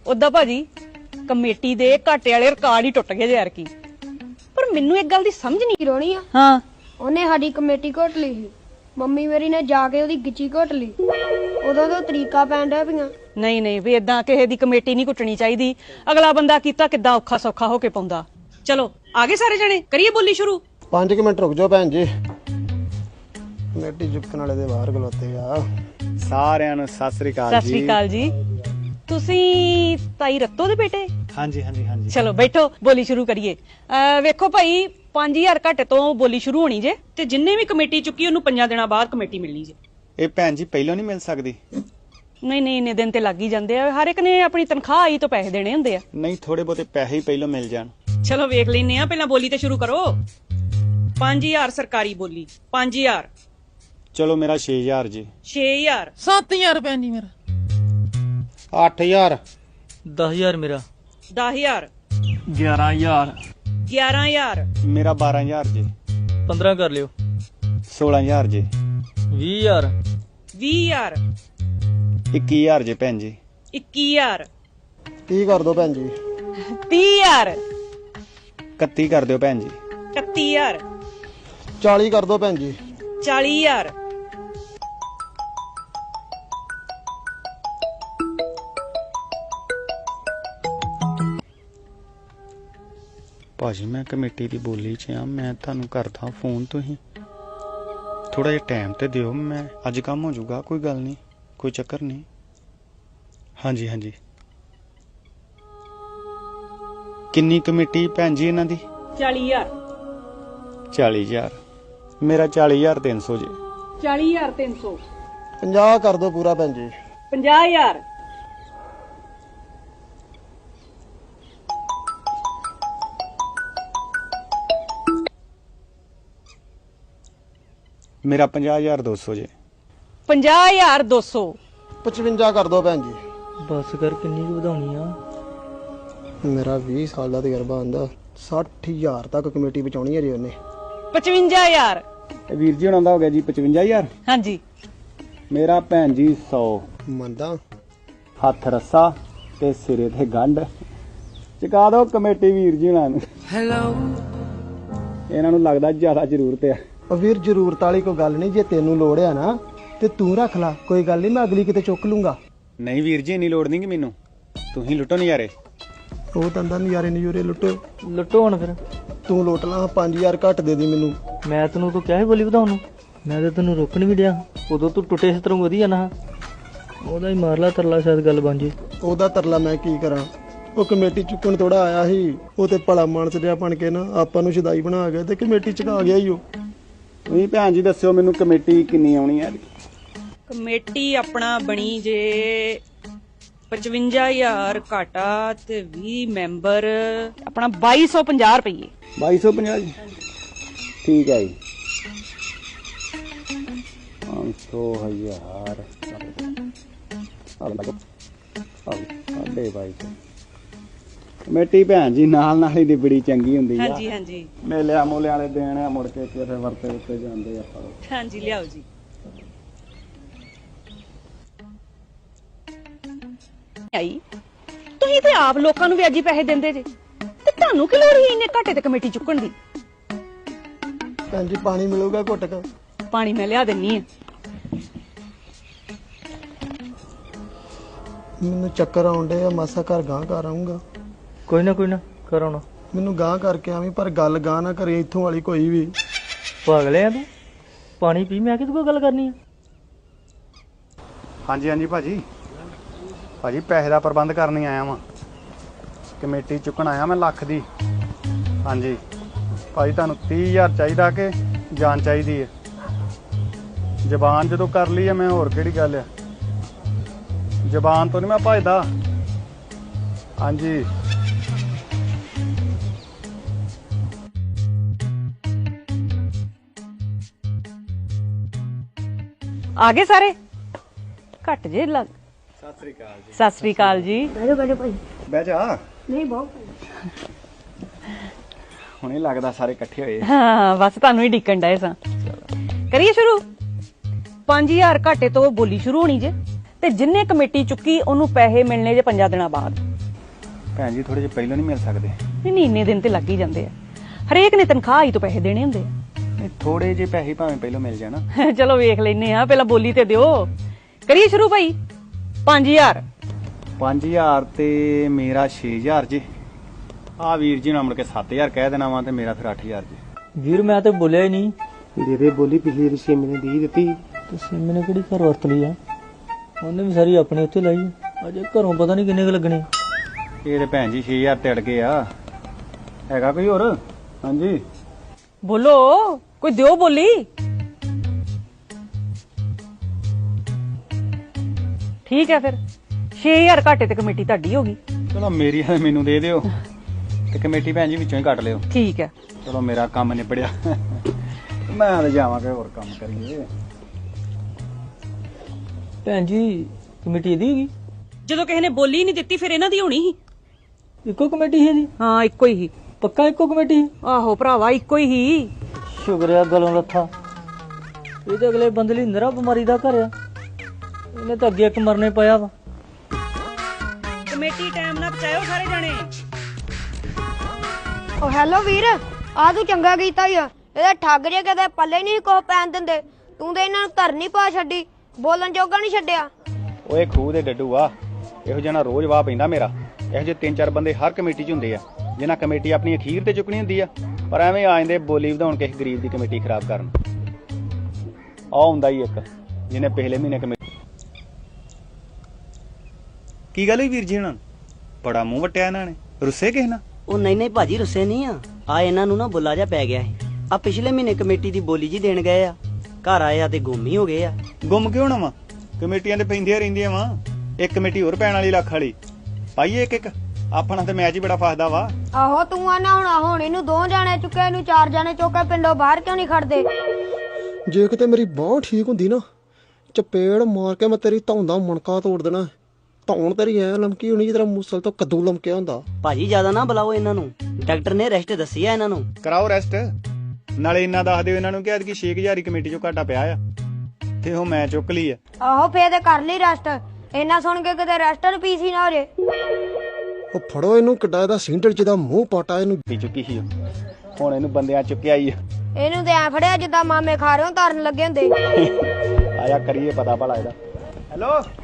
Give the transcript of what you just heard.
ਉਦਾਂ ਭਾਜੀ ਕਮੇਟੀ ਦੇ ਘਾਟੇ ਵਾਲੇ ਰਿਕਾਰਡ ਹੀ ਟੁੱਟ ਗਏ ਯਾਰ ਕੀ। ਪਰ ਮੈਨੂੰ ਇੱਕ ਗੱਲ ਦੀ ਸਮਝ ਨਹੀਂ ਰੋਣੀ ਆ ਹਾਂ ਉਹਨੇ ਸਾਡੀ ਕਮੇਟੀ ਘੋਟ ਲਈ ਸੀ। ਮੰਮੀ ਮੇਰੀ ਨੇ ਜਾ ਕੇ ਉਹਦੀ ਗਿੱਚੀ ਘੋਟ ਲਈ। ਉਦੋਂ ਤੋਂ ਤਰੀਕਾ ਪੈਣ ਡਿਆ ਪਈਆਂ। ਨਹੀਂ ਵੀ ਏਦਾਂ ਕਿਸੇ ਦੀ ਕਮੇਟੀ ਨਹੀਂ ਕੁੱਟਣੀ ਚਾਹੀਦੀ। ਅਗਲਾ ਬੰਦਾ ਕੀਤਾ ਕਿੱਦਾਂ ਔਖਾ ਸੌਖਾ ਹੋ ਕੇ ਪਾਉਂਦਾ। ਚਲੋ ਆਗੇ ਸਾਰੇ ਜਣੇ ਕਰੀਏ ਬੋਲੀ ਸ਼ੁਰੂ। 5 ਮਿੰਟ ਰੁਕ ਜਾਓ ਭੈਣ ਜੀ, ਕਮੇਟੀ ਚੁੱਕਣ ਵਾਲੇ ਦੇ ਬਾਹਰ ਖਲੋਤੇ ਆ। ਸਾਰਿਆਂ ਨੂੰ ਸਤਿ ਸ੍ਰੀ ਅਕਾਲ ਜੀ। ਸਤਿ ਸ੍ਰੀ ਅਕਾਲ ਜੀ। ਤੁਸੀਂ ਤਾਈ ਰੱਤੋ ਦੇ ਬੇਟੇ? ਹਾਂਜੀ ਹਾਂਜੀ ਹਾਂਜੀ। ਚਲੋ ਬੈਠੋ ਬੋਲੀ ਸ਼ੁਰੂ ਕਰੀਏ। ਵੇਖੋ ਭਾਈ 5000 ਘੱਟ ਤੋਂ ਬੋਲੀ ਸ਼ੁਰੂ ਹੋਣੀ ਜੇ ਤੇ ਜਿੰਨੇ ਵੀ ਕਮੇਟੀ ਚੁੱਕੀ ਉਹਨੂੰ 5 ਦਿਨਾਂ ਬਾਅਦ ਕਮੇਟੀ ਮਿਲਣੀ ਜੇ। ਇਹ ਭੈਣ ਜੀ ਪਹਿਲਾਂ ਨਹੀਂ ਮਿਲ ਸਕਦੀ? ਨਹੀਂ ਇੰਨੇ ਦਿਨ ਤੇ ਲੱਗ ਹੀ ਜਾਂਦੇ ਆ। ਹਰ ਇੱਕ ਨੇ ਆਪਣੀ ਤਨਖਾਹ ਆਈ ਤੋਂ ਪੈਸੇ ਦੇਣੇ ਹੁੰਦੇ ਆ। ਨਹੀਂ ਥੋੜੇ ਬਹੁਤੇ ਪੈਸੇ ਹੀ ਪਹਿਲਾਂ ਮਿਲ ਜਾਣ। ਚਲੋ ਵੇਖ ਲੈਨੇ ਆ, ਪਹਿਲਾਂ ਬੋਲੀ ਤੇ ਸ਼ੁਰੂ ਕਰੋ। 5000 ਸਰਕਾਰੀ ਬੋਲੀ। 5000। ਚਲੋ ਮੇਰਾ 6000 ਜੀ। 6000। 7000 ਰੁਪਏ ਨਹੀਂ ਮੇਰਾ। 8000। 10000 ਮੇਰਾ। 10000। 11000। 11000। ਮੇਰਾ 12000 ਜੀ। 15 ਕਰ ਲਿਓ। 16000 ਜੀ। 20000। 20000। 21000 ਜੀ ਭੈਣ ਜੀ। 21000। 30 ਕਰ ਦਿਓ ਭੈਣ ਜੀ। 30000। 31 ਕਰ ਦਿਓ ਭੈਣ ਜੀ। 31000। 40 ਕਰ ਦਿਓ ਭੈਣ ਜੀ। 40000। ਭਾਜੀ ਮੈਂ ਕਮੇਟੀ ਦੀ ਬੋਲੀ 'ਚ ਆ, ਮੈਂ ਤੁਹਾਨੂੰ ਕਰਦਾ ਫੋਨ। ਤੁਸੀਂ ਥੋੜਾ ਜਿਹਾ ਟਾਈਮ ਤੇ ਦਿਓ, ਮੈਂ ਅੱਜ ਕੰਮ ਹੋ ਜਾਊਗਾ। ਕੋਈ ਗੱਲ ਨਹੀਂ, ਕੋਈ ਚੱਕਰ ਨਹੀਂ। ਹਾਂਜੀ ਹਾਂਜੀ। ਕਿੰਨੀ ਕਮੇਟੀ ਭੈਣ ਜੀ ਇਹਨਾਂ ਦੀ? 40000। 40000। ਮੇਰਾ 40300 ਜੀ। 40300। 50 ਕਰ ਦਿਓ ਪੂਰਾ ਭੈਣ ਜੀ। 50000। ਮੇਰਾ 50200 ਜੀ। 50200। 55 ਕਰ ਦਿਓ ਭੈਣ ਜੀ। ਬਸ ਕਰ, ਕਿੰਨੀ ਕੁ ਵਧਾਉਣੀ ਆ? ਮੇਰਾ 20 ਸਾਲ ਦਾ ਤਜਰਬਾ ਆਂਦਾ 60000 ਤੱਕ ਕਮੇਟੀ ਬਚਾਉਣੀ ਹੈ ਜੀ ਉਹਨੇ। 55000। ਵੀਰ ਜੀ ਹੁਣਾਂ ਦਾ ਹੋ ਗਿਆ ਜੀ 55000। ਹਾਂਜੀ। ਮੇਰਾ ਭੈਣ ਜੀ 100। ਮੰਨਦਾ ਹੱਥ ਰੱਸਾ ਤੇ ਸਿਰੇ ਤੇ ਗੰਢ ਚੁਕਾ ਦਿਓ ਕਮੇਟੀ ਵੀਰ ਜੀ ਹੁਣਾਂ ਨੂੰ। ਇਹਨਾਂ ਨੂੰ ਲੱਗਦਾ ਜ਼ਿਆਦਾ ਜ਼ਰੂਰਤ ਆ। ਉਹ ਵੀਰ ਜ਼ਰੂਰਤ ਵਾਲੀ ਕੋਈ ਗੱਲ ਨਹੀਂ, ਜੇ ਤੈਨੂੰ ਲੋੜ ਆ ਨਾ ਤੇ ਤੂੰ ਰੱਖ ਲੈ, ਕੋਈ ਗੱਲ ਨਹੀਂ, ਮੈਂ ਅਗਲੀ ਕਿਤੇ ਚੁੱਕ ਲੂੰਗਾ। ਨਹੀਂ ਵੀਰ ਜੀ ਇੰਨੀ ਲੋੜ ਨਹੀਂ ਕਿ ਮੈਨੂੰ, ਤੁਸੀਂ ਲੁੱਟੋ ਨਜ਼ਾਰੇ। ਉਹ ਦੰਦਾਂ ਨਜ਼ਾਰੇ ਨਜ਼ੂਰੇ ਲੁੱਟੋ। ਲੁੱਟੋ ਹੁਣ ਫਿਰ। ਤੂੰ ਲੁੱਟ ਲਾ, 5000 ਘੱਟ ਦੇ ਦੀ ਮੈਨੂੰ। ਮੈਂ ਤੈਨੂੰ ਤਾਂ ਕਿਹਾ ਸੀ ਬੋਲੀ ਵਧਾਉਣ ਨੂੰ। ਮੈਂ ਤਾਂ ਤੈਨੂੰ ਰੋਕਣ ਵੀ ਡਿਆ। ਉਦੋਂ ਤੂੰ ਟੁੱਟੇ ਇਸ ਤਰ੍ਹਾਂ ਵਧੀਆ ਨਾ। ਉਹਦਾ ਹੀ ਮਾਰ ਲਾ ਤਰਲਾ, ਸ਼ਾਇਦ ਗੱਲ ਬਣ ਜੇ। ਉਹਦਾ ਤਰਲਾ ਮੈਂ ਕੀ ਕਰਾਂ? ਉਹ ਕਮੇਟੀ ਚੁੱਕਣ ਥੋੜਾ ਆਇਆ ਸੀ, ਉਹ ਤੇ ਭਲਾ ਮਾਨਸ ਜਿਹਾ ਬਣ ਕੇ ਨਾ ਆਪਾਂ ਨੂੰ ਸ਼ਦਾਈ ਬਣਾ ਗਿਆ ਤੇ ਕਮੇਟੀ ਚੁਕਾ ਗਿਆ ਹੀ ਉਹ। ਤੁਸੀਂ ਭੈਣ ਜੀ ਦੱਸਿਓ ਮੈਨੂੰ ਕਮੇਟੀ ਕਿੰਨੀ ਆਉਣੀ ਹੈ? ਕਮੇਟੀ ਆਪਣਾ ਬਣੀ ਜੇ 55000 ਘਾਟਾ ਤੇ 20 ਮੈਂਬਰ, ਆਪਣਾ 2250 ਰੁਪਏ। 2250 ਜੀ। ਠੀਕ ਹੈ ਜੀ। 500,000 ਸਾਢੇ 2200। ਕਮੇਟੀ ਭੈਣ ਜੀ ਨਾਲ ਨਾਲ ਹੀ ਦੀ ਬੜੀ ਚੰਗੀ ਹੁੰਦੀ ਆ। ਹਾਂਜੀ ਹਾਂਜੀ। ਮੇਲਿਆਂ ਮੋਲਿਆਂ ਵਾਲੇ ਦੇਣ ਆ, ਮੁੜ ਕੇ ਕਿਸੇ ਵਰਤੇ ਉੱਤੇ ਜਾਂਦੇ ਆਪਾਂ। ਹਾਂਜੀ ਲਿਆਓ ਜੀ। ਆਈ ਤੁਸੀਂ ਤੇ ਆਪ ਲੋਕਾਂ ਨੂੰ ਵਿਆਜੀ ਪੈਸੇ ਦਿੰਦੇ ਜੇ ਤੇ ਤੁਹਾਨੂੰ ਕੀ ਲੋੜ ਹੀ ਇੰਨੇ ਘਾਟੇ ਤੇ ਕਮੇਟੀ ਚੁੱਕਣ ਦੀ? ਭੈਣ ਜੀ ਪਾਣੀ ਮਿਲੂਗਾ ਘੁੱਟ ਕੇ? ਪਾਣੀ ਮੈਂ ਲਿਆ ਦਿੰਨੀ ਆ। ਮੈਨੂੰ ਚੱਕਰ ਆਉਂਦੇ ਆ, ਮਾਸਾ ਘਰ ਗਾਂ ਕਰ ਆਉਂਗਾ। ਕੋਈ ਨਾ ਕਰਾਉਣਾ। ਮੈਨੂੰ ਗਾਂ ਕਰਕੇ ਆਵੀਂ, ਪਰ ਗੱਲ ਗਾਂ ਨਾ ਕਰੇ ਇੱਥੋਂ ਵਾਲੀ ਕੋਈ ਵੀ। ਪਾਗਲ ਆ ਤੂੰ? ਪਾਣੀ ਪੀ, ਮੈਂ ਕਿਹਦੇ ਕੋਲ ਗੱਲ ਕਰਨੀ ਆ? ਹਾਂਜੀ ਹਾਂਜੀ ਭਾਜੀ। ਭਾਜੀ ਪੈਸੇ ਦਾ ਪ੍ਰਬੰਧ ਕਰਨ ਹੀ ਆਇਆ ਵਾਂ, ਕਮੇਟੀ ਚੁੱਕਣ ਆਇਆ ਮੈਂ ਲੱਖ ਦੀ। ਹਾਂਜੀ ਭਾਜੀ ਤੁਹਾਨੂੰ 30000 ਚਾਹੀਦਾ ਕਿ ਜਾਨ ਚਾਹੀਦੀ ਹੈ? ਜ਼ਬਾਨ ਜਦੋਂ ਕਰ ਲਈ ਹੈ ਮੈਂ, ਹੋਰ ਕਿਹੜੀ ਗੱਲ ਆ? ਜ਼ਬਾਨ ਤੋਂ ਨਹੀਂ ਮੈਂ ਭੱਜਦਾ। ਹਾਂਜੀ ਆ ਗਏ ਸਾਰੇ? ਘੱਟ ਜੇ ਲੱਗ। ਸਤਿ ਸ੍ਰੀ ਅਕਾਲ ਜੀ। ਸਤਿ ਸ੍ਰੀ ਅਕਾਲ ਜੀ। ਬੈਠੋ ਭਾਈ। ਬਹਿ ਜਾ। ਨਹੀਂ ਬਹੁਤ ਹੁਣੇ ਲੱਗਦਾ ਸਾਰੇ ਇਕੱਠੇ ਹੋਏ। ਹਾਂ ਬਸ ਤੁਹਾਨੂੰ ਹੀ ਡਿੱਕਣ ਡਏ ਸਾਂ। ਕਰੀਏ ਸ਼ੁਰੂ। 5000 ਘਾਟੇ ਤੋਂ ਬੋਲੀ ਸ਼ੁਰੂ ਹੋਣੀ ਜੇ ਤੇ ਜਿੰਨੇ ਕਮੇਟੀ ਚੁੱਕੀ ਉਹਨੂੰ ਪੈਸੇ ਮਿਲਣੇ ਜੇ 5 ਦਿਨਾਂ ਬਾਅਦ। ਭੈਣ ਜੀ ਥੋੜੇ ਜਿਹੇ ਪਹਿਲਾਂ ਨਹੀਂ ਮਿਲ ਸਕਦੇ? ਨਹੀਂ ਇੰਨੇ ਦਿਨ ਤੇ ਲੱਗ ਹੀ ਜਾਂਦੇ ਆ। ਹਰੇਕ ਨੇ ਤਨਖਾਹ ਹੀ ਤੋਂ ਪੈਸੇ ਦੇਣੇ ਹੁੰਦੇ ਨਹੀਂ ਥੋੜੇ ਜਿਹੇ ਪੈਸੇ ਭਾਵੇਂ ਪਹਿਲਾਂ ਮਿਲ ਜਾਣ। ਆ। ਚਲੋ ਵੇਖ ਲੈਨੇ ਆ, ਪਹਿਲਾਂ ਬੋਲੀ ਤੇ ਦਿਓ। ਕਰੀਏ ਸ਼ੁਰੂ ਭਾਈ। 5000 5000 ਤੇ ਮੇਰਾ 6000 ਜੀ। ਆ ਵੀਰ ਜੀ ਨੂੰ ਮੁੜ ਕੇ 7000 ਕਹਿ ਦੇਣਾ ਵਾ ਤੇ ਮੇਰਾ ਫਿਰ 8000 ਜੀ। ਵੀਰ ਮੈਂ ਤੇ ਬੋਲਿਆ ਹੀ ਨਹੀਂ। ਦੇ ਦੇ ਬੋਲੀ, ਪਿਛਲੀ ਵਾਰੀ ਛੇ ਮਹੀਨੇ ਦੀ ਦਿੱਤੀ। ਤੇ ਸਿੰਮੀ ਨੇ ਕਿਹੜੀ ਘਰ ਵਰਤ ਲਈ ਆ? ਉਹਨੇ ਵੀ ਸਾਰੀ ਆਪਣੇ ਉੱਤੇ ਲਾਈ ਆ। ਅਜੇ ਘਰੋਂ ਪਤਾ ਨਹੀਂ ਕਿੰਨੇ ਕੁ ਲੱਗਣੇ। ਇਹ ਤੇ ਭੈਣ ਜੀ 6000 ਤੇ ਅੜ ਗਏ ਆ। ਹੈਗਾ ਕੋਈ ਹੋਰ? ਹਾਂਜੀ ਬੋਲੋ, ਕੋਈ ਦਿਓ ਬੋਲੀ। ਠੀਕ ਹੈ ਫਿਰ 6000 ਘਾਟੇ ਤੇ ਕਮੇਟੀ ਤੁਹਾਡੀ ਹੋ ਗਈ। ਚਲੋ ਮੇਰੀ ਆ ਮੈਨੂੰ ਦੇ ਦਿਓ ਤੇ ਕਮੇਟੀ ਭੈਣ ਜੀ ਵਿੱਚੋਂ ਹੀ ਕੱਟ ਲਿਓ। ਠੀਕ ਹੈ। ਚਲੋ ਮੇਰਾ ਕੰਮ ਨਿਬੜਿਆ। ਮੈਂ ਤਾਂ ਜਾਵਾਂਗਾ ਹੋਰ ਕੰਮ ਕਰੀਏ। ਭੈਣ ਜੀ ਕਮੇਟੀ ਇਹਦੀ ਹੈਗੀ? ਜਦੋਂ ਕਿਸੇ ਨੇ ਬੋਲੀ ਨਹੀਂ ਦਿੱਤੀ ਫਿਰ ਇਹਨਾਂ ਦੀ ਹੋਣੀ ਸੀ। ਇੱਕੋ ਕਮੇਟੀ ਹੈ ਜੀ? ਹਾਂ ਇੱਕੋ ਹੀ ਸੀ। ਪੱਕਾ ਇੱਕੋ ਕਮੇਟੀ? ਆਹੋ ਭਰਾਵਾ ਇੱਕੋ ਹੀ ਸੀ। ਸ਼ੁਕਰਿਆ ਗਲੋਂ ਲੱਥਾ। ਇਹ ਤੇ ਅਗਲੇ ਬੰਦੇ ਲਈ ਨਰਾ ਬਿਮਾਰੀ ਦਾ ਘਰ ਆ। ਇਹਨੇ ਤਾਂ ਅੱਗੇ ਇੱਕ ਮਰਨੇ ਪਿਆ ਵਾ। ਕਮੇਟੀ ਟਾਈਮ ਨਾਲ ਪਹੁੰਚਾਇਓ ਸਾਰੇ ਜਾਣੇ। ਓ ਹੈਲੋ ਵੀਰ, ਆ ਤੂੰ ਚੰਗਾ ਕੀਤਾ ਈ ਆ। ਇਹਦੇ ਠੱਗ ਜੇ ਕਦੇ ਪੱਲੇ ਨਹੀਂ ਕੋ ਪੈਣ ਦਿੰਦੇ। ਤੂੰ ਤੇ ਇਹਨਾਂ ਨੂੰ ਧਰਨੀ ਪਾ ਛੱਡੀ, ਬੋਲਣ ਜੋਗਾ ਨਹੀਂ ਛੱਡਿਆ। ਓਏ ਖੂਹ ਦੇ ਡੱਡੂ ਆ, ਇਹੋ ਜਿਹਾ ਨਾ ਰੋਜ਼ ਵਾਹ ਪੈਂਦਾ ਮੇਰਾ। ਇਹੋ ਜਿਹੇ 3-4 ਬੰਦੇ ਹਰ ਕਮੇਟੀ 'ਚ ਹੁੰਦੇ ਆ ਜਿਨ੍ਹਾਂ ਕਮੇਟੀ ਆਪਣੀ ਅਖੀਰ ਤੇ ਚੁੱਕਣੀ ਹੁੰਦੀ ਆ, ਪਰ ਐਵੇਂ ਆ ਜਾਂਦੇ ਬੋਲੀ ਵਧਾਉਣ ਕਿਸੇ ਗਰੀਬ ਦੀ ਕਮੇਟੀ ਖਰਾਬ ਕਰਨ। ਆ ਹੁੰਦਾ ਹੀ ਇੱਕ ਜਿਹਨੇ ਪਿਛਲੇ ਮਹੀਨੇ ਕਮੇਟੀ। ਕੀ ਗੱਲ ਹੋਈ ਵੀਰ ਜੀ? ਇਹਨਾਂ ਬੜਾ ਮੂੰਹ ਵਟਿਆ ਇਹਨਾਂ ਨੇ। ਰੁੱਸੇ ਕਿਸ ਨਾਲ? ਉਹ ਨਹੀਂ ਭਾਜੀ ਰੁੱਸੇ ਨਹੀਂ ਆ ਇਹਨਾਂ ਨੂੰ ਨਾ ਬੁੱਲਾ ਜਾ ਪੈ ਗਿਆ ਸੀ। ਆ ਪਿਛਲੇ ਮਹੀਨੇ ਕਮੇਟੀ ਦੀ ਬੋਲੀ ਜੀ ਦੇਣ ਗਏ ਆ, ਘਰ ਆਏ ਆ ਤੇ ਗੁੰਮ ਹੀ ਹੋ ਗਏ ਆ। ਗੁੰਮ ਕਿਉਂ ਨਾ ਵਾ? ਕਮੇਟੀਆਂ ਤੇ ਪੈਂਦੀਆਂ ਰਹਿੰਦੀਆਂ ਵਾ। ਇੱਕ ਕਮੇਟੀ ਹੋਰ ਪੈਣ ਵਾਲੀ ਲੱਖ ਵਾਲੀ ਪਾਈਏ ਇੱਕ ਆਪਣਾ ਤੇ ਮੈਚ ਹੀ ਬੜਾ ਫਸਦਾ ਵਾ। ਆਹੋ ਤੂੰ ਆ ਨਾ ਹੁਣ ਇਹਨੂੰ 2 ਜਾਣੇ ਚੁੱਕੇ, ਇਹਨੂੰ 4 ਜਾਣੇ ਚੁੱਕੇ, ਪਿੰਡੋਂ ਬਾਹਰ ਕਿਉਂ ਨਹੀਂ ਖੜਦੇ? ਜੇ ਕਿਤੇ ਮੇਰੀ ਬਾਂਹ ਠੀਕ ਹੁੰਦੀ ਨਾ, ਚਪੇੜ ਮਾਰ ਕੇ ਮੈਂ ਤੇਰੀ ਧੌਣ ਦਾ ਮਣਕਾ ਤੋੜ ਦੇਣਾ। ਧੌਣ ਤੇਰੀ ਐ ਲਮਕੀ ਹੋਣੀ ਜਿਸ ਤਰ੍ਹਾਂ ਮੂਸਲ ਤੋਂ ਕੱਦੂ ਲਮਕਿਆ ਹੁੰਦਾ। ਭਾਜੀ ਜ਼ਿਆਦਾ ਨਾ ਬੁਲਾਓ ਇਹਨਾਂ ਨੂੰ, ਡਾਕਟਰ ਨੇ ਰੈਸਟ ਦੱਸੀ ਆ ਇਹਨਾਂ ਨੂੰ। ਕਰਾਓ ਰੈਸਟ। ਨਾਲੇ ਇੰਨਾ ਦੱਸ ਦਿਓ ਇਹਨਾਂ ਨੂੰ ਕਿ ਐਤਕੀ 6000 ਕਮੇਟੀ ਚੋਂ ਘਾਟਾ ਪਿਆ ਆ ਤੇ ਉਹ ਮੈਂ ਚੁੱਕ ਲਈ ਆ। ਆਹੋ ਫੇਰ ਤੇ ਕਰ ਲਈ ਰੈਸਟ। ਇਹਨਾਂ ਸੁਣ ਕੇ ਕਿਤੇ ਰੈਸਟਰ ਪੀਸੀ ਨਾ ਹੋ ਜੇ। ਉਹ ਫੜੋ ਇਹਨੂੰ, ਕਿੱਡਾ ਇਹਦਾ ਸਿੰਡਲ ਜਿਹਦਾ ਮੂੰਹ ਪਾਟਾ ਇਹਨੂੰ। ਚੁੱਕੀ ਸੀ ਹੁਣ ਇਹਨੂੰ ਬੰਦਿਆਂ ਚੁੱਕਿਆ ਹੀ ਆ। ਇਹਨੂੰ ਤੇ ਐ ਫੜਿਆ ਜਿੱਦਾਂ ਮਾਮੇ ਖਾ ਰਹੇ ਹੋ ਤਰਨ ਲੱਗੇ ਹੁੰਦੇ। ਆਇਆ ਕਰੀਏ ਪਤਾ ਭਲਾ ਇਹਦਾ। ਹੈਲੋ